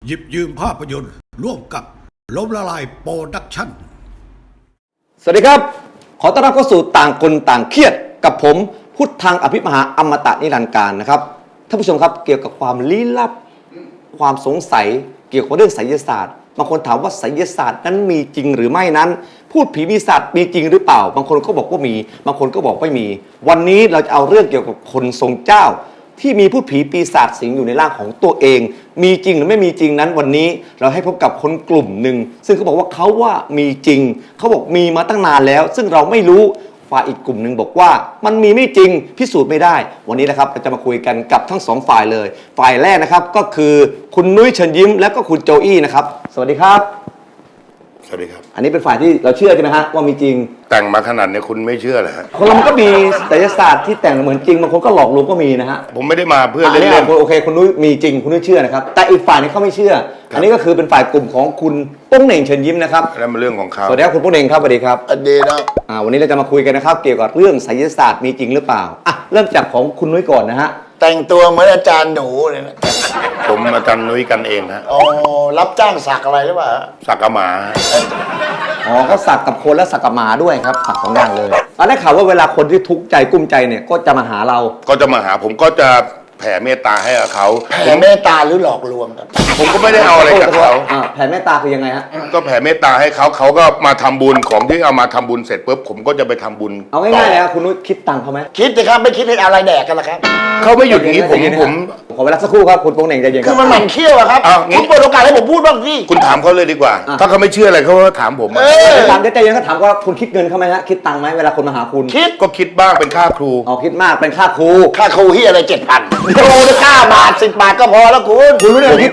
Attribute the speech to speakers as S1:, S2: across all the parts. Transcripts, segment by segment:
S1: หยิบยืมภาพยนตร์ร่วมกับล้มละลายโปรดักชั่น
S2: สวัสดีครับขอต้อนรับเข้าสู่ต่างคนต่างเครียดกับผมพุทธังอภิมหาอมตะนิรันดร์การนะครับท่านผู้ชมครับเกี่ยวกับความลี้ลับความสงสัยเกี่ยวกับเรื่องไสยศาสตร์บางคนถามว่าไสยศาสตร์นั้นมีจริงหรือไม่นั้นพูดผีปีศาจมีจริงหรือเปล่าบางคนก็บอกว่ามีบางคนก็บอกไม่มีวันนี้เราจะเอาเรื่องเกี่ยวกับคนทรงเจ้าที่มีพูดผีปีศาจสิงอยู่ในร่างของตัวเองมีจริงหรือไม่มีจริงนั้นวันนี้เราให้พบกับคนกลุ่มหนึ่งซึ่งเขาบอกว่าเขาว่ามีจริงเขาบอกมีมาตั้งนานแล้วซึ่งเราไม่รู้ฝ่ายอีกกลุ่มหนึ่งบอกว่ามันมีไม่จริงพิสูจน์ไม่ได้วันนี้นะครับเราจะมาคุยกันกับทั้งสองฝ่ายเลยฝ่ายแรกนะครับก็คือคุณนุ้ยเชิญยิ้มและก็คุณโจอี้นะครับสวัสดีครับ
S3: สวัสดีครับ
S2: อันนี้เป็นฝ่ายที่เราเชื่อใช่ไหมฮะว่ามีจริง
S3: แต่งมาขนาดนี้คุณไม่เชื่อเหรอฮะ
S2: คนเรามันก็มีไสยศาสตร์ที่แต่งเหมือนจริงบางคนก็หลอกลวงก็มีนะฮะ
S3: ผมไม่ได้มาเพื่อ
S2: เล่นๆโอเคคุณนุ้ยมีจริงคุณนุ้ยเชื่อนะครับแต่อีกฝ่ายนี้เขาไม่เชื่ออันนี้ก็คือเป็นฝ่ายกลุ่มของคุณโป้งเหน่งเชิญยิ้มนะครับ
S3: แล้วมันเรื่องของเขา
S2: สวัสดีครับคุณโป้งเหน่งครับสวัสดีครับ
S4: สวัสดีนะ
S2: วันนี้เราจะมาคุยกันนะครับเกี่ยวกับเรื่องไสยศาสตร์มีจริงหรือเปล่าเริ่มจากของคุณนุ้ยก่อนนะฮะ
S4: แต่งตัวเหมือนอาจารย์หนูเลยนะ
S3: ผมอาจารย์นุ้ยกันเองฮะ
S4: อ๋อรับจ้างสักอะไรหรือเปล่า
S3: สักกะหมา
S2: เขาสักกับคนและสักกับหมาด้วยครับสัก2อย่างเลยได้ข่าวว่าเวลาคนที่ทุกข์ใจกุ้มใจเนี่ยก็จะมาหาเรา
S3: ก็จะมาหาผมก็จะแผ่เมตตาให้กับเขา
S4: แผ่เมตตาหรือหลอกลวงครับ
S3: ผมก็ไม่ได้เอาอะไรจากเขา
S2: แผ่เมตตาคือยังไงฮะ
S3: ก็แผ่เมตตาให้เขาเขาก็มาทำบุญของที่เอามาทำบุญเสร็จปุ๊บผมก็จะไปทำบุญ
S2: เอาง่ายๆเลยครับคุณนุ้ยคิดตังค์เขาไหม
S4: คิดสิครับไม่คิดให้อะไรแดกกันละครับ
S3: เขาไม่หยุดอย่างนี้ผม
S2: ขอเวลาสักครู่ครับคุณโป้งเหน่งใจเย็น
S4: คือมันหมั่นเขี้ยวอะครับคุณเปิดโอกาสให้ผมพูดบ้างสิ
S3: คุณถามเขาเลยดีกว่าถ้าเขาไม่เชื่ออะไรเขาก็ถามผม
S2: ถามใจเย็นเขาถามว่าคุณคิดเงินเขาไหมฮะคิดตังค์ไหมเวลาคนมาหาคุณ
S4: คิด
S3: ก็คิดบ้างเป็นค่าครู
S2: คิดมากเป็นค่าครู
S4: ที่อะไร7,000ครูได้9 บาท10 บาทก็พอแล้ว
S2: คุณรู้ได้คิด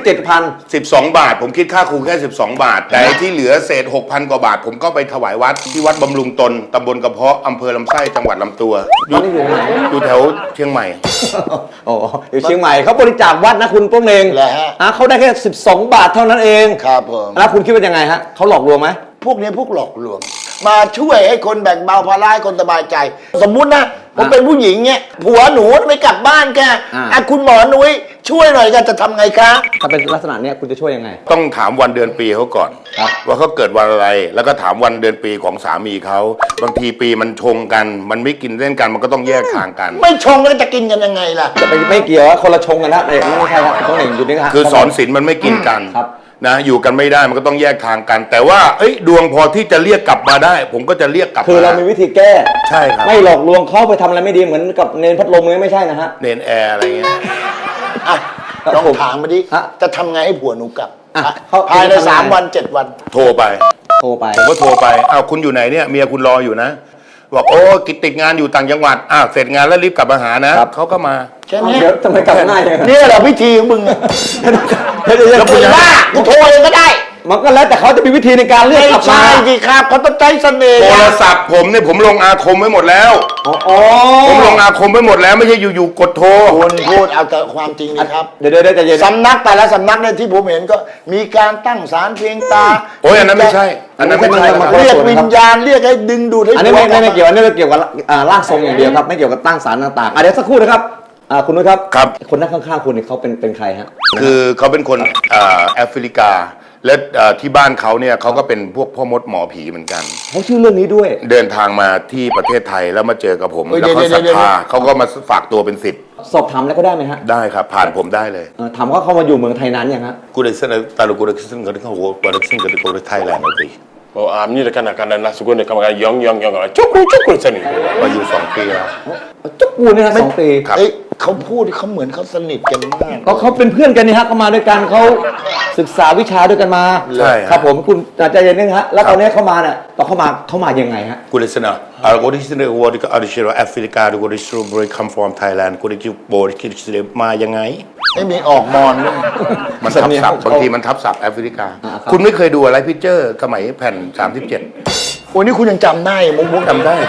S3: 12 บาทผมคิดค่าครูแค่12 บาทแต่ที่เหลือเศษ 6,000 กว่าบาทผมก็ไปถวายวัดที่วัดบำรุงตนตำบลกระเพาะอำเภอลำไส้จังหวัดลำตัวอยู่แถวเชียงใหม่
S2: อยู่เชียงใหม่เขาบริจาควัดนะคุณโป้งเหน่งเขาได้แค่12 บาทเท่านั้นเอง
S4: ครับผม
S2: แล้วคุณคิดว่ายังไงฮะเขาหลอกลวงไหม
S4: พวกนี้พวกหลอกลวงมาช่วยให้คนแบ่งเบาภาระให้คนสบายใจสมมุตินะผมเป็นผู้หญิงเนี่ยผัวหนูไม่กลับบ้านแกคุณหมอนุ้ยช่วยหน่อยกันจะทำไงคะ
S2: ถ้าเป็นลักษณะนี้คุณจะช่วยยังไง
S3: ต้องถามวันเดือนปีเขาก่อนว่าเขาเกิดวันอะไรแล้วก็ถามวันเดือนปีของสามีเขาบางทีปีมันชงกันมันไม่กินเล่นกันมันก็ต้องแยกทางกัน
S4: ไม่ชงแล้วจะกินกันยังไงล่ะ
S2: จะไม่เกี่ยวคนละชงกันนะไม่ใช่ครับต้องเห็นอยู่นี่ครับ
S3: คือสอนศีลมันไม่กินกันนะอยู่กันไม่ได้มันก็ต้องแยกทางกันแต่ว่าดวงพอที่จะเรียกกลับมาได้ผมก็จะเรียกกลับ
S2: คือเรามีวิธีแก้
S3: ใช่ครับ
S2: ไม่หลอกลวงเขาไปทำอะไรไม่ดีเหมือนกับเนนพัดลมเลยไม่ใช่นะฮะ
S3: เนนแอร์อะไรเงี้ย
S4: ลองถามมาดิจะทำไงให้ผัวหนูกลับภายใน3 วัน 7 วัน
S3: โทรไปผมก็โทรไปคุณอยู่ไหนเนี่ยเมียคุณรออยู่นะบอกโอ้ติดงานอยู่ต่างจังหวัดเสร็จงานแล้วรีบกลับมาหานะเขาก็มา
S4: แค่นี้
S2: ทำไมกลับง่ายอย่าง
S4: นี้เหรอพิธีของมึงแล้วคุณว่ากูโทรเองก็ได้
S2: มันก็แล้วแต่เขาจะมีวิธีในการเรียกกลับมา
S4: ใช่สิครับเขาต้องใช้เสน่ห์
S3: โทรศัพท์ผมเนี่ยผมลงอาคมไว้หมดแล้วผมลงอาคมไว้หมดแล้วไม่ใช่อยู่ๆกดโทร
S4: คุณพูดเอาแต่ความจริงนะครับ
S2: เดี๋ยวใจเย็น
S4: สำนักแต่ละสำนักเนี่ยที่ผมเห็นก็มีการตั้งศาลเพียงตา
S3: อันนั้นไม่ใช่อันนั้นไม่ใช่
S4: เรียกวิญญาณเรียกให้ดึงดูดให้
S2: อันนี้ไม่เกี่ยวอันนี้เกี่ยวกับร่างทรงอย่างเดียวครับไม่เกี่ยวกับตั้งศาลต่างๆเดี๋ยวสักครู่นะครับคุณนุ้ยครับคนนั่งข้างๆคุณเขาเป็นใครฮะ
S3: คือเขาเป็นคนแอฟริกาและที่บ้านเขาเนี่ยเขาก็เป็นพวกพ่อมดหมอผีเหมือนกัน
S2: เขาชื่อเรื่องนี้ด้วย
S3: เดินทางมาที่ประเทศไทยแล้วมาเจอกับผมแล้วเขาศรัทธาเขาก็มาฝากตัวเป็นศิษย์
S2: สอบถามแล้วก็ได้ไหมฮะ
S3: ได้ครับผ่านผมได้เลย
S2: ถามว่าเขามาอยู่เมืองไทยนานยังฮะ
S3: กูได้เส้นตาลูกูได้เส้นกันเขาหัวกูได้เส้นกันกูได้ไทยแลนด์เลย
S5: นี่แหละกันนะนะสุกุลเนี่ยกำลังย่องจุกรูสนิท
S3: มาอยู่2 ปีแล้ว
S2: จุกรูเนี่ย2 ปี
S4: เขาพูดเขาเหมือนเขาสนิทกันมาก
S2: เขาเป็นเพื่อนกันนี่ฮะเขามาด้วยกันเขาศึกษาวิชาด้วยกันมา
S3: ใช่
S2: ครับผมคุณใจเย็นนึงฮะแล้วตอนนี้เขามาเนี่ยตอนเขามายังไงฮะ
S3: กูได้เส้นกูได้เส้นวัวที่อาริเชโรแอฟริกากูได้สตรอเบอรี่คัมฟอร์มไทยแลนด์กูได้จิวโบที่คิดเสมายังไง
S4: ไม่มีออกมอนด้วย
S3: มันทับศัพท์บางทีมันทับศัพท์แอฟริกาคุณไม่เคยดูอะไรพิเจอร์สมัยแผ่น37
S4: โอ้นี่คุณยังจำได้มุก
S3: จำได้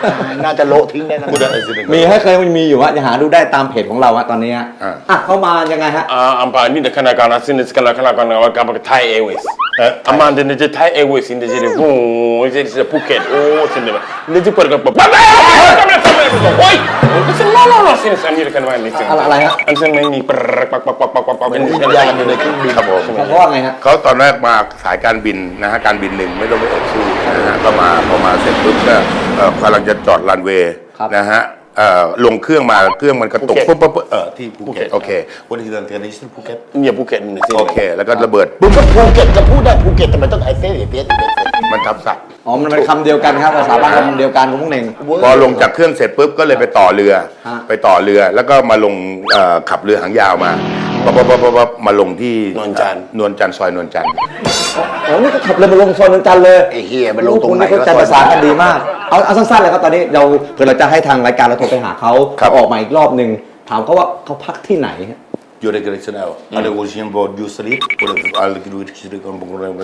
S4: น่าจะโละทิ้งได้นะ
S3: Udah sini.
S2: มีให้เคยมีอยู่ฮะจะหาดูได้ตามเพจของเราฮะตอนนี้ฮะ
S3: อ่ะ
S2: เข้ามายังไงฮะ
S5: Ampa ini dah kena kena sini sekala kena kena apa Thai Airways. Aman dia je Thai Airways ini jadi jadi Phuket. Oh sini. Dia je pergi apa? Oi. Sini lo sini sini kan main ni.
S2: อะไรฮะ
S5: An sini main ni pak
S4: เป็นวิญญาณอยู่ในเครื่องบิน
S3: ครับผม
S2: เขาว่าไงฮะ
S3: เขาตอนแรกมาสายการบินนะฮะการบินหนึ่งไม่ต้องไปเอ่ยชื่อนะฮะก็มาพอมาเสร็จปุ๊บก็กำลังจะจอดรันเวย์
S2: ครับ
S3: นะฮะลงเครื่องมาเครื่องมันกระตุก
S5: ภูเก็ต
S3: ปุ๊บที่ภูเก็ตโอเควันนี้เดือนนี้ที่ภูเก็ต
S5: Ni Phuket ni sini.
S3: โอเค แล้วก็ระเบิด
S4: มึงก็ภูเก็ตจะพูดได้ภูเก็ตทำไมต้องไอเซ่เปียส
S3: มันทับศัพท์
S2: อ๋อมันเป็นคำเดียวกันครับภาษาบ้านคำเดียวกันของพวกเน่ง
S3: พอลงจากเครื่องเสร็จปุ๊บก็เลยไปต่อเรือ
S2: ฮะ
S3: ไปต่อเรือแล้วก็มาลงขับเรือหางยาวมาปั๊บมาลงที่
S5: นวลจันทร์
S3: นวลจันทร์ซอยนวลจันทร์
S2: อ๋อนี่ก็ขับเลยมาลงซอยนนจันทร์เลย
S4: ไอ้เฮียมันลงตรงไหน
S2: คุณเข้าใจภาษากันดีมาก เอาสั้นๆเลยครับตอนนี้เราเผื่อเราจะให้ทางรายการเราโทรไปหาเขาออกมาอีกรอบหนึ่งถามเขาว่าเขาพักที่ไหน
S3: อยู่ในกระเช้าอะไรกูชิมบอดยูสลิปอะไรกูดูชิลิกอนบุกอะไร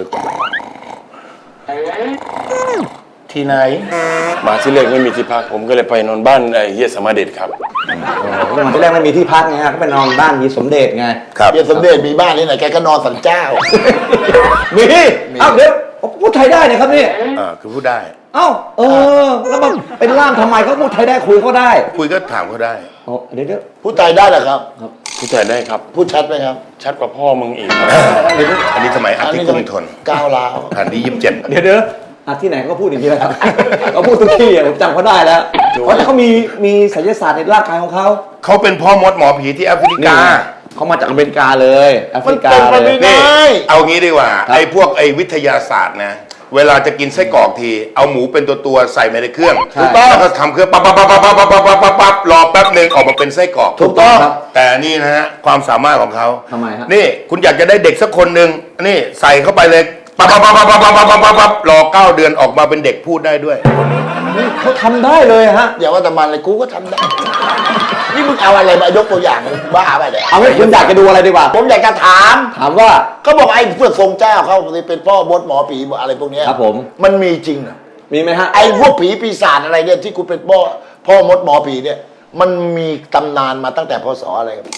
S3: ที่ไหน
S5: มาที่แรกไม่มีที่พักผมก็เลยไปนอนบ้านไอ้เฮียสมาเด็จครับ
S2: วันที่แรกไม่มีที่พักไงฮะก็ไปนอนบ้านมีสมเด็จไง
S3: ครับ
S4: เฮียสมเด็จมีบ้านนี่ไหนแกก็นอนสันเจ้า
S2: มีเอ้าเดี๋ยวพูดไทยได้เนี่ยครับนี่
S3: คือพูดได้
S2: เอ้าแล้วมาเป็นล่ามทำไมเขาพูดไทยได้คุยเขาได้
S3: คุยก็ถามเขาได้
S2: อ๋อเดี๋ยว
S4: พูดไทยได้เหรอครับ
S5: พูดไทยได้ครับ
S4: พูดชัดไหมครับ
S5: ชัดกว่าพ่อมึงอีกครับ
S3: อันนี้สมัยอาทิตย์กรุงทน
S4: ก้าวร้าว
S3: แผ่นที่27
S2: เดี๋ยวที่ไหนก็พูดอย่างนี้แหละครับ เขาพูดทุกที่ผมจำเขาได้แล้วเพราะเขามีศิลปศาสตร์ในร่างกายของเขา
S3: เขาเป็นพ่อมดหมอผีที่แอฟริกา
S2: เขามาจากอเมริกาเลยแอฟริกา
S4: มันเป็นไป
S2: เล
S4: ไม่
S2: ย
S4: ได้
S3: นี่เอางี้ดีกว่าไอ้พวกไอ้วิทยาศาสตร์นะเวลาจะกินไส้กรอกทีเอาหมูเป็นตัวใส่ไปในเครื่อง
S2: ใช่
S3: ถูกต้องแล้วก็ทำเครื่องปั๊บรอแป๊บหนึ่งออกมาเป็นไส้กรอก
S2: ถูกต้องครับ
S3: แต่นี่นะฮะความสามารถของเขา
S2: ทำไมฮะ
S3: นี่คุณอยากจะได้เด็กสักคนหนึ่งนี่ใส่เข้าไปเลยปั๊บรอ9 เดือนออกมาเป็นเด็กพูดได้ด้วย
S2: เขาทำได้เลยฮะ
S4: อย่าว่าแต่มันเลยกูก็ทำได้ นี่มึงเอาอะไรมายกตัวอย่างบ้าไปเนี่ย
S2: เอางี้คุณอยากจะดูอะไรดีกว่า
S4: ผมอยากจะถาม
S2: ถามว่า
S4: เขาบอกไอ้พวกทรงเจ้าเขาเป็นพ่อมดหมอผีอะไรพวกเนี้ย
S2: ครับผม
S4: มันมีจริงเหรอ
S2: มีไหมฮะ
S4: ไอ้พวกผีปีศาจอะไรเนี่ยที่คุณเป็นพ่อมดหมอผีเนี่ยมันมีตำนานมาตั้งแต่พศอะไรครับ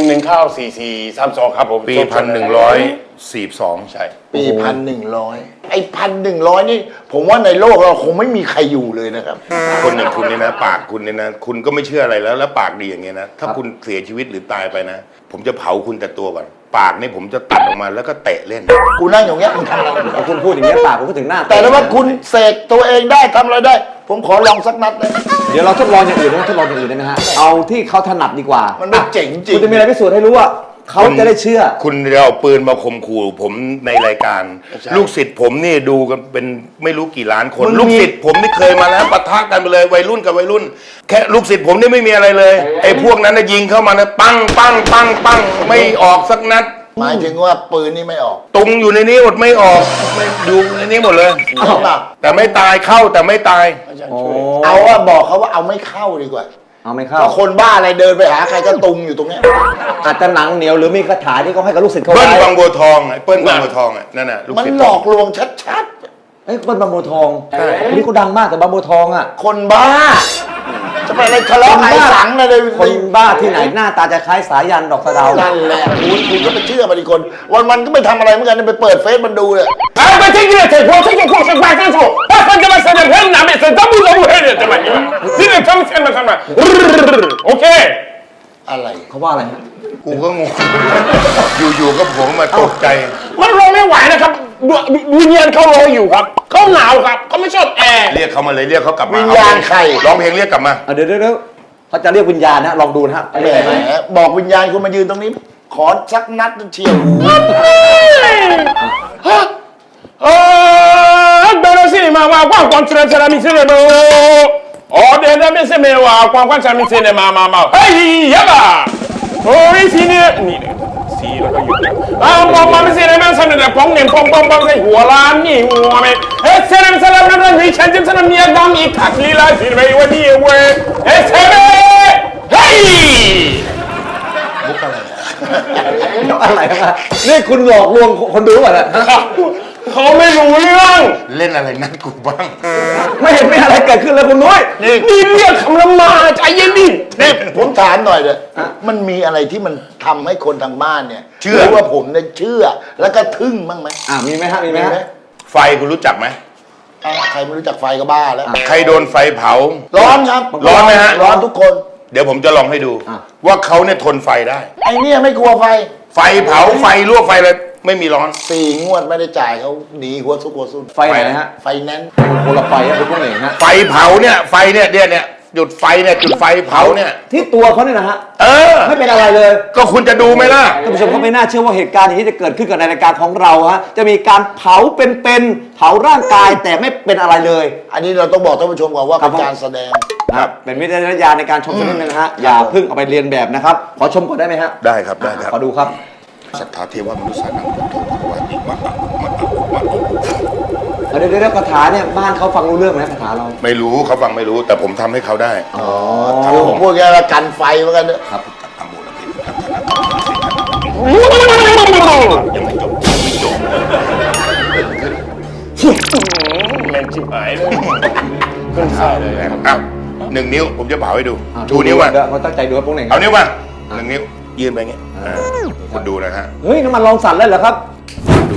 S5: 119432ครับผม
S3: ปี1142
S5: ใช่
S4: ปี1,100ไอ้1,100นี่ผมว่าในโลกเราคงไม่มีใครอยู่เลยนะครับ
S3: คนอย่างคุณเนี่ยนะปากคุณเนี่ยนะคุณก็ไม่เชื่ออะไรแล้วปากดีอย่างเงี้ยนะถ้าคุณเสียชีวิตหรือตายไปนะ ผมจะเผาคุณแต่ตัวก่อนปากนี่ผมจะตัดออกมาแล้วก็เตะเล่น
S4: กูนั่งอย่างเงี้ยมึงทำอะไรอยู่
S2: พอคุณพูดอย่างนี้ยปากผมก็ถึงหน้า
S4: แต่ว่าคุณเสกตัวเองได้ทำอะไรได้ ผมขอลองสักนัดเลย
S2: เดี๋ยวเราทดลองอย่างอื่นทดลองอย่างอื่นได้ไหมฮะ เอาที่เขาถนัดดีกว่า
S4: มันไม่เจ๋งจริง
S2: คุณจะมีอะไรพิสูจน์ให้รู้ว่าเขาจะได้เชื่อ
S3: คุณจะเอาปืนมาข่มขู่ผมในรายการ ลูกศิษย์ผมนี่ดูกันเป็นไม่รู้กี่ล้านคน ลูกศิษย์ผมนี่เคยมาแล้วปะทะกันไปเลยวัยรุ่นกับวัยรุ่น แค่ลูกศิษย์ผมนี่ไม่มีอะไรเลยไอ้พวกนั้นนะยิงเข้ามานะปังไม่ออกสักนัด
S4: หมายถึงว่าปืนนี่ไม่ออก
S3: ตุงอยู่ในนี้หมดไม่ออกไม่ดูในนี้หมดเลย
S4: เอาเปล่า
S3: แต่ไม่ตายเข้าแต่ไม่ตาย
S4: เอาว่าบอกเขาว่าเอาไม่เข้าดีกว่า
S2: เอาไม่เข้า
S4: เพราะคนบ้าอะไรเดินไปหาใครก็ตุงอยู่ตรงเนี้ย
S2: อาจจะหนังเหนียวหรือมีคาถาที่เขาให้กับลูกศิษย์เขา
S3: เปิ้ล
S2: ไว้
S3: บางบัวทองไอ้เปิ้ลบางบัวทองอ่ะนั่นน่ะลูก
S4: มัน
S3: ศิษย์
S4: หลอกลวงชัด
S2: เอ้ยเปิ้ลบางบัวทองคนนี้เขาดังมากแต่บางบัวทองอ่ะ
S4: ๆ คนบ้า จะไปอะไรทะเลาะไอ้สังอะไร
S2: คนบ้าที่ไหนหน้าตาจะคล้ายสายันดอกสะเดา
S4: นั่นแหละคุณก็ไปเชื่อมันอีกคน วันก็ไม่ทำอะไรเหมือนกันไปเปิดเฟซมันดูเลย
S5: 哎，我听你的这我这个故事关清楚，我分给我身边人哪边是怎么黑的，怎么你们？今天他们前面看嘛，OK。
S4: อะไร
S2: เขาว่าอะไรฮะ
S3: กูก็งง อยู่ๆก็ผมมาตกใจ
S5: มันรอไม่ไหวนะครับวิญญาณเขารออยู่ครับเขาหนาวครับเขาไม่ชอบแอร์
S3: เรียกเขามาเลยเรียกเขากลับมา
S4: วิญญาณใคร
S3: ร้องเพลงเรียกกลับมา
S2: เดี๋ยวเขาจะเรียกวิญญาณนะลองดูนะฮะ
S4: แห
S2: เรียกอะไรไห
S4: ม
S2: ม
S4: บอกวิญญาณคุณมายืนตรงนี้ ขอสักนัดเชียวหู
S5: Pero sí, mamá, cuando será mi cerebro. Oh, de la vez me va, cuando será mi cerebro, mamá. ¡Hey, ya va! Oh, y si ni sí, lo que yo. Ah, mamá, me se le me sale de pong, se huela ni huame. Se le sale de la ni change, se le me da mi caclila, si me iba ni güey. Se me. ¡Hey!
S2: อะไรฮะนี่คุณหลอกลวงคนดูป่ะเนี่ย
S5: เขาไม่รู้เรื่อง
S3: เล่นอะไรนั่นกูบ้าง
S2: ไม่เห็นมีอะไรเกิดขึ้นเลยคุณนุ้ย
S5: นี่เรียกคำละมาใจเย็นดิ
S4: นี่ผมถามหน่อยเลยมันมีอะไรที่มันทำให้คนทางบ้านเนี่ย
S3: เชื่อ
S4: หรืว่าผมเนี่ยเชื่อแล้วก็ทึ่งบ้างไหม
S2: มีไหมฮะมีไหมฮะ
S3: ไฟคุณรู้จักไหม
S4: ใครไม่รู้จักไฟก็บ้าแล้ว
S3: ใครโดนไฟเผา
S4: ร้อนครับ
S3: ร้อนไหมฮะ
S4: ร้อนทุกคน
S3: เดี๋ยวผมจะลองให้ดู ว่าเขาเนี่ยทนไฟได้
S4: ไอเนี่ยไม่กลัวไฟ
S3: ไฟเผาไฟลวกไฟอะไรไม่มีร้อน
S4: 4 งวดไม่ได้จ่ายเขาหนีหัวซุกหัวซุน
S2: ไฟไหนฮะ
S4: ไฟแนนซ์
S2: คนละไฟอะคุณพวกเองฮะ
S3: ไฟเผาเนี่ยไฟเนี่ยหยุดไฟเนี่ยจุดไฟเผาเนี่ย
S2: ที่ตัวเขาเนี่ยนะฮะ
S3: เออ
S2: ไม่เป็นอะไรเลย
S3: ก็คุณจะดูไหมล่ะ
S2: ท่านผู้ชมก็ไม่น่าเชื่อว่าเหตุการณ์อย่างนี้จะเกิดขึ้นกับในรายการของเราฮะจะมีการเผาเป็นๆเผาร่างกายแต่ไม่เป็นอะไรเลย
S4: อันนี้เราต้องบอกท่านผู้ชมก่อนว่า
S2: ครั
S4: เป็
S2: บ
S4: นการแสดง
S2: นะครับเป็นวิจารณญาณในการชมสักนิดนึงนะฮะอย่าเพิ่งเอาไปเรียนแบบนะครับขอชมก่อนได้ไหมฮะ
S3: ได้ครับได้ครับ
S2: ขอดูครับ
S3: สัทธาเทวมนุษย์สานังพุทโธภควาติมะ
S2: เดี๋ยวคาถาเนี่ยบ้านเขาฟังรู้เรื่องไหมคาถาเรา
S3: ไม่รู้เขาฟังไม่รู้แต่ผมทำให้เขาได้
S2: อ๋อ
S4: คือผมพูดแค่ว่ากันไฟเหมือนกันเนอะ
S2: ครับ
S3: ยังไม่จบ
S5: แม่งชิบหายเลยขึ้นไส้เลย
S3: อ้าว1 นิ้วผมจะเผาให้ดูชูนิ้วมา
S2: เขาตั้งใจดูครับพวกเอง
S3: เอานิ้วมา1 นิ้วยื่นไปอย่างเงี้ยคุณดูนะฮะ
S2: เฮ้ยน้ำมันลองสั่นเลยเหรอครับ
S3: ดู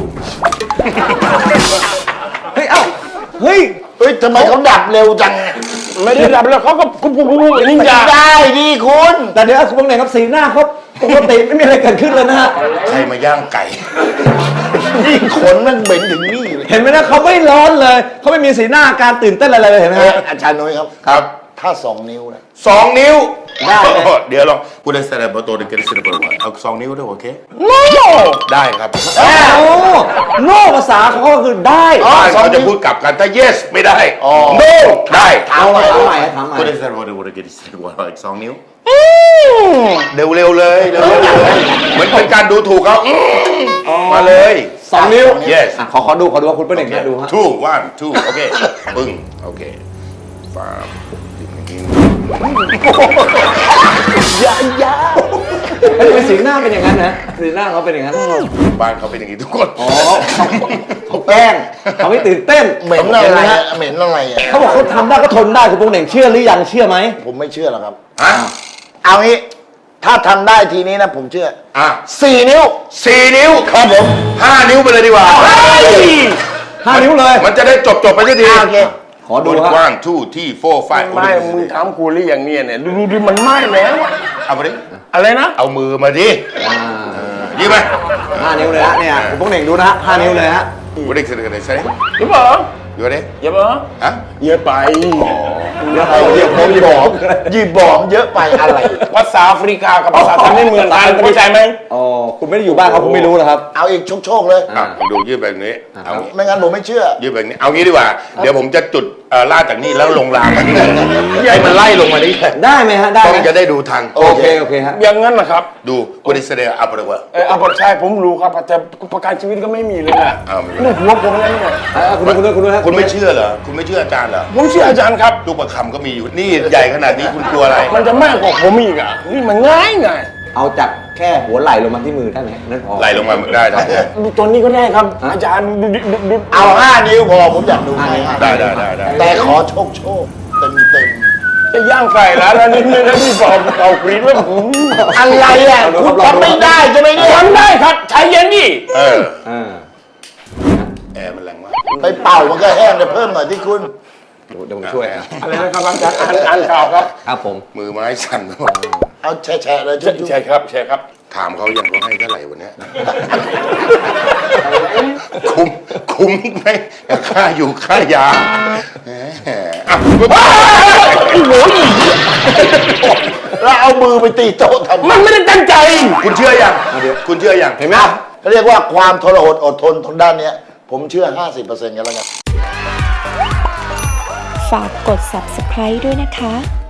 S2: เฮ้ยเอ้าเฮ้ย
S4: เฮ้ยทำไมเขาดับเร็วจัง
S5: ไม่ได้ดับแล้วเขาก็กุ๊บนินจา
S4: ได้ดีคุณ
S2: แต่เดี๋ยวคุณพวกเองครับสีหน้าเขาปกติไม่มีอะไรเกิดขึ้นเลยนะฮะ
S3: ใครมาย่างไก่
S4: นี่ขนมันเหม็นถึงนี่เลย
S2: เห็นไหมนะเขาไม่ร้อนเลยเขาไม่มีสีหน้าการตื่นเต้นอะไรเลยเห็นไหม
S4: เอ้ย
S2: ฮะ
S4: อาจารย์นุ้ยครับ
S3: ครับ
S4: ถ้า 2 นิ้วนะ
S3: 2 นิ้ว
S2: ได้เลย
S3: เดี๋ยวลองกูได้แสดงประตูเด็กเสด็จประตูเอา2 นิ้วด้วยโอเค
S5: โน่
S3: ได้ครับ
S2: โอ้โน่ภาษาเขาก็คือได้
S3: บ้านเขาจะพูดกลับกันถ้า yes ไม่ได้ no ได้
S2: ถามใหม่ถามใหม่ถามใหม่
S3: กูได้แสดงประตูเด็กเสด็จประตูอีก2 นิ้วเร็วๆเลยเร็วๆเลยเหมือนเป็นการดูถูกเขามาเลย
S2: 2 นิ้ว
S3: yes
S2: ขอดูว่าคุณเป็นเองดูฮะ
S3: two one two โอเคปึ้งโอเคฟาบอย่างนี้
S2: เฮ้ยสีหน้าเป็นอย่างนั้นนะสีหน้าเขาเป็นอย่างนั้น
S3: บ้านเขาเป็นอย่างนี้ทุกคน
S2: อ๋อเขาแกล้งเขาไม่ตื่นเต้น
S4: เหม็นอะไรอะเหม็นอะไรอะ
S2: เขาบอกเขาทำได้ก็ทนได้คุณพงษ์เหน่งเชื่อหรือยังเชื่อไหม
S4: ผมไม่เชื่อหรอกครับ
S3: ฮะ
S4: เอางี้ ถ้าทำได้ทีนี้นะผมเชื่อ
S3: อ่ะ
S4: 4 นิ้ว
S3: 4 นิ้วครับผม5 นิ้วไปเลยดีกว่า
S2: 5 นิ้วเลย
S3: มันจะได้จบไปสักที
S4: โอเค
S2: ขอดู
S3: 1
S2: ฮะ
S3: 2 3 4 5
S5: ไม่มึงถามกูหรืออย่างเนี้ยเนี่ยดูมันไหม้แล้ว
S3: เอามาดิ
S5: อะไรนะ
S3: เอามือมาดิยี่ไหม
S2: 5 นิ้วเลยฮะเนี่ยคุณพงษ์เหน่งดูนะฮะ5 นิ้วเลยฮะ
S3: กูได้เสนอกันเลยใช่ไหม
S5: หรือเปล่า
S3: ดูดิ
S5: อย่าเปล่า
S3: ฮะ
S5: เยอะไป
S2: เดี๋ยว
S4: เดี๋ยวผมบอกยีบอมเยอะไปอะไร
S5: ภาษาแอฟริกากับภาษาไทยไม่เหมือนกันเข้าใจไหม
S2: อ๋อคุณไม่ได้อยู่บ้านเขาคุณไม่รู้เหรอครับ
S4: เอาอีกโชคๆเลย
S3: อ่ะดูยืดแบบนี้เอางี้
S4: ไม่งั้นผมไม่เชื่อ
S3: ยืดแบบนี้เอางี้ดีกว่า เดี๋ยวผมจะจุดลาดจากนี่แล้วลงรางมาที่นี่ให้มันไล่ลงมานี่
S2: ได้ไหมฮะได้
S3: ต้อ
S2: ไหม
S3: งจะได้ดูทัน
S2: โอเคฮะ
S5: อย่างนั้นนะครับ
S3: ดูกูได้แสดงอัปเดตว่า
S5: อาบทใช่ผมรู้ครับแต่ประกันชีวิตก็ไม่มีเลยนะ
S3: เอาไม่รู้
S5: นี่หัวผมแล้วเนี่ย
S2: คุณดูฮะ
S3: คุณไม่เชื่อเหรอคุณไม่เชื่ออาจารย์เหรอ
S5: ผมเชื่ออาจารย์ครับ
S3: ลูกประคำก็มีอยู่นี่ใหญ่ขนาดนี้คุณกลัวอะไร
S5: มันจะมากกว่าผมอีกอ่ะนี่มันง่ายไง
S2: เอาจากแค่หัวไหล่ลงมาที่มือได้ไหมนั่นพอ
S3: ไหลลงมาได้ได้
S5: ตัวนี้ก็ได้ครับ อาจารย์ดู
S4: เอา 5 นิ้วพอผมอยากดูให้
S3: ได้
S4: แต่ขอโชคเต็ม
S5: จะย่างไก่แล้วนี่นี่บอกเอากรีดว่า
S4: ๆอะไรอ่ะคุณทำไม่ได้ใช่ไหมเนี่ย
S5: ทำได้ครับใช้เย็นดิ
S3: เออ
S2: อ่า
S3: แอร์มันแรงมาก
S4: ไปเป่ามันก็แห้งจะเพิ่มหน่อยที่คุณ
S2: เดี๋ยวผมช่วย
S5: อะไรนะครับอาจารย์อ่านข่าวครับ
S2: ครับผม
S3: มือไม้สั่นไปหมด
S4: เอาแฉะๆเลยจุ๊บ
S5: ใช่ครับใช่ครับ
S3: ถามเขายังเขาให้เท่าไหร่วันเนี้ยคุ้มไหมกับค่าอยู่ค่ายาแหมอ่ะ
S4: ๆแล้วเอามือไปตีโต๊ะทำไม
S5: มันไม่ได้ตั้งใจ
S3: คุณเชื่อยังคุณเชื่อยัง
S2: เห็นไหม
S4: เขาเรียกว่าความทรหดอดทนทางด้านเนี้ย ผมเชื่อ 50%กันแล้วกัน
S6: ฝากกด subscribe ด้วยนะคะ